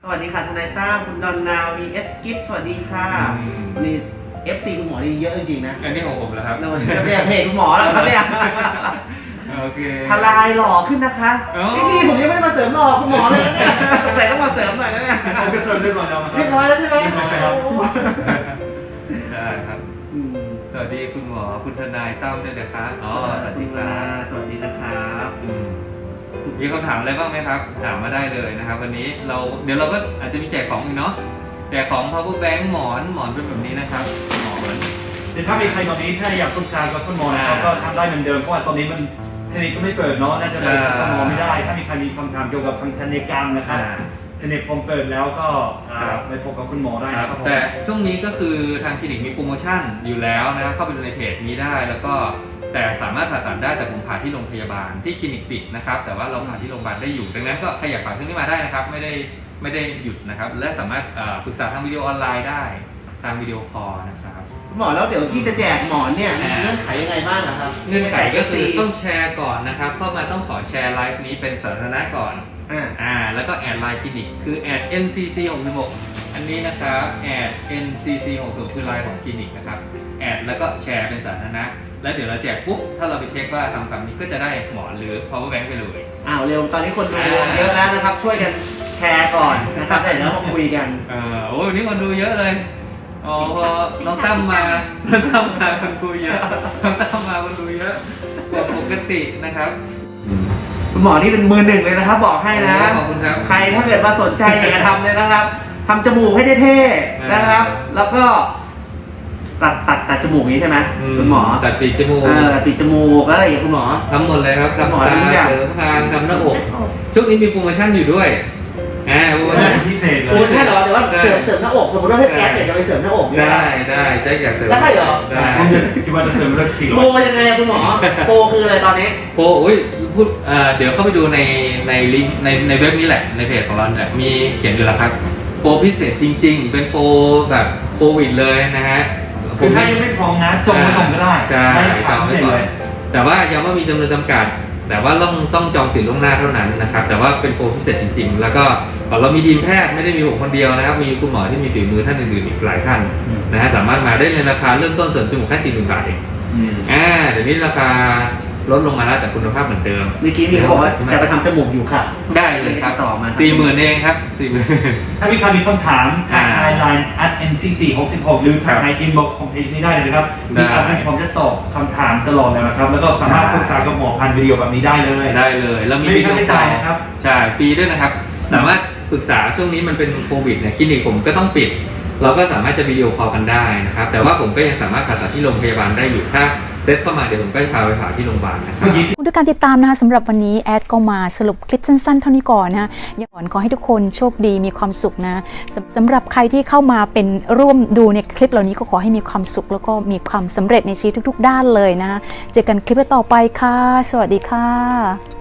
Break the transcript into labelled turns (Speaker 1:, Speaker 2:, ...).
Speaker 1: วัสดีค่ะทนายตั้มคุณดอนนา vs กิฟสวัสดีค่ะมี FC คุณหมอนี่เยอะจริงๆนะ
Speaker 2: อันนี้ของผมแล้วครับ
Speaker 1: จะเป็นเพจคุณหมอแล้วครับเนี่ย
Speaker 2: โอเค
Speaker 1: ทลายหล่อขึ้นนะคะนี่ผมยังไม่ได้มาเสริมหล่อคุณหมอเลยนะเนี่ยใส่ต้องมาเสริมหน่อยนะเนี่ย
Speaker 3: ผมก็เสริมเรียบร้อยแล้ว
Speaker 1: เรียบร้อยแล้วใช่ไหม
Speaker 2: ได้ครับสวัสดีคุณหมอคุณทนายตั้มด้วยนะครับอ๋อสวัสดีครับ
Speaker 1: สวัสดีนะครับ
Speaker 2: มีคำถามอะไรบ้างไหมครับถามมาได้เลยนะครับวันนี้เดี๋ยวเราก็อาจจะมีแจกของอีกเนาะแจกของ power bank หมอนเป็นแบบนี้นะครับหมอน
Speaker 3: แต่ถ้ามีใครตอนนี้ถ้าอยากปรึกษากับคุณหมอนะครับก็ทำได้เหมือนเดิมเพราะว่าตอนนี้มันคลินิกก็ไม่เปิดเนาะน่าจะไปคุณหมอไม่ได้ถ้ามีใครมีคำถามเกี่ยวกับทางศัลยกรรมนะครับคลินิกผมเปิดแล้วก็ไปพบกับคุณหมอได้นะครับ
Speaker 2: แต่ช่วงนี้ก็คือทางคลินิกมีโปรโมชั่นอยู่แล้วนะครับเข้าไปดูในเพจนี้ได้แล้วก็แต่สามารถผ่าตัดได้แต่ผมผ่าที่โรงพยาบาลที่คลินิกปิดนะครับแต่ว่าเราผ่าที่โรงพยาบาลได้อยู่ดังนั้นก็ใครอยากผ่าเครื่องนี้มาได้นะครับไม่ได้หยุดนะครับและสามารถปรึกษาทางวิดีโอออนไลน์ได้ทางวิดีโอคอลนะครับ
Speaker 1: หมอแล้วเดี๋ยวที่จะแจกหมอนเนี่ยเงื่อนไขยังไงบ้างครับ
Speaker 2: เงื่อนไขก็คือต้องแชร์ก่อนนะครับเข้ามาต้องขอแชร์ไลฟ์นี้เป็นสาธารณะก่อนแล้วก็แอดไลน์คลินิกคือแอด ncc66 อันนี้นะครับแอด ncc60 คือไลน์ของคลินิกนะครับแอดแล้วก็แชร์เป็นสาธารณะแล้วเดี๋ยวเราแจกปุ๊บถ้าเราไปเช็คว่าทำตามนี้ก็จะได้หมอนหรือ power bank ไปเลย
Speaker 1: เร็วตอนนี้คนดูเยอะแล้วนะครับช่วยกันแชร์ก่อนนะครับเดี๋ยวมาคุยกัน
Speaker 2: โอ้ยวันนี้คนดูเยอะเลยพอน้องตั้มมาคนดูเยอะน้องตั้มมาคนดูเยอะกว่าปกตินะครับ
Speaker 1: คุณหมอนี่เป็นมือหนึ่งเลยนะครับบอกให้นะ
Speaker 2: ขอบคุณครับ
Speaker 1: ใครถ้าเกิดมาสนใจอยากจะทำเลยนะครับทำจมูกให้เท่ๆนะครับแล้วก็ตัดจมูกนี้ใช่ไหมคุณหมอ
Speaker 2: ตัดปีกจมูก
Speaker 1: ตัดปีกจมูกแล้วอะไรอย่างคุณหมอ
Speaker 2: ทำหมดเลยครับทำตาเสริมคางทำหน้าอกช่วงนี้มีโปรโมชั่นอยู่ด้วย
Speaker 3: โปรโมชั่นพิเศษเลย
Speaker 1: โปรโมชั่นเหรอเดี๋ยวว่าเสริมหน้าอกสมมติว่าถ้าแจ็คอยากจะไปเสริมหน้าอก
Speaker 2: ได้แจ็คอยากเสริม
Speaker 1: ได้เหรอ
Speaker 3: ผมคิดว่าจะเสริมเลือด400
Speaker 1: โปรยังไงคุณหมอโปรคืออะไรตอนนี้
Speaker 2: โปรพูดเดี๋ยวเข้าไปดูในลิงก์ในเว็บนี้แหละในเพจของเราเนี่ยมีเขียนอยู่แล้วครับโปรพิเศษจริงๆเป็นโปรแบบโควิดเลยนะฮะ
Speaker 3: คือถ้ายังไม่พร้อมนะจองไม่ต้องก็ได้
Speaker 2: ได้จองไว้ก่อนแต่ว่ายังไม่มีจำนวนจำกัดแต่ว่าต้องจองสิทธิ์ล่วงหน้าเท่านั้นนะครับแต่ว่าเป็นโปรพิเศษจริงๆแล้วก็เรามีทีมแพทย์ไม่ได้มีผมคนเดียวนะครับมีคุณหมอที่มีฝีมือท่านอื่นๆอีกหลายท่านนะฮะสามารถมาได้ในราคาเริ่มต้นเสริมจมูกแค่ 40,000 บาทเองเดี๋ยวนี้ราคาลดลงมาแล้วแต่คุณภาพเหมือนเดิม
Speaker 1: เมื่อกี้มีเขาบอกว่าจะไปทำจมูกอยู่ค่ะ
Speaker 2: ได้เลยครับ
Speaker 1: ต่อมา
Speaker 2: 40,000 เองครับ 40,000
Speaker 3: ถ้ามีใครมีคำถามทางไลน์ @ncc66 หรือทางใน inbox ของเพจนี้ได้เลยนะครับมีอะไรผมจะตอบคำถามตลอดเลยนะครับแล้วก็สามารถปรึกษากับหมอผ่านวิดีโอแบบนี้ได้เลย
Speaker 2: แล้วมี
Speaker 3: วิดีโอจ่ายนะครับ
Speaker 2: ใช่ฟรีด้วยนะครับสามารถปรึกษาช่วงนี้มันเป็นโควิดเนี่ยคลินิกผมก็ต้องปิดเราก็สามารถจะวิดีโอคอลกันได้นะครับแต่ว่าผมก็ยังสามารถผ่าตัดที่โรงพยาบาลได้อยู่ถ้าเซตเข้ามาเดี๋ยวผมก็จะพาไปผ่าที่โรงพยาบาลนะครับ
Speaker 4: ด้วยการติดตามนะคะสำหรับวันนี้แอดก็มาสรุปคลิปสั้นๆเท่านี้ก่อนนะอย่างก่อนขอให้ทุกคนโชคดีมีความสุขนะสำหรับใครที่เข้ามาเป็นร่วมดูในคลิปเหล่านี้ก็ขอให้มีความสุขแล้วก็มีความสำเร็จในชีวิตทุกๆด้านเลยนะเจอกันคลิปต่อไปค่ะสวัสดีค่ะ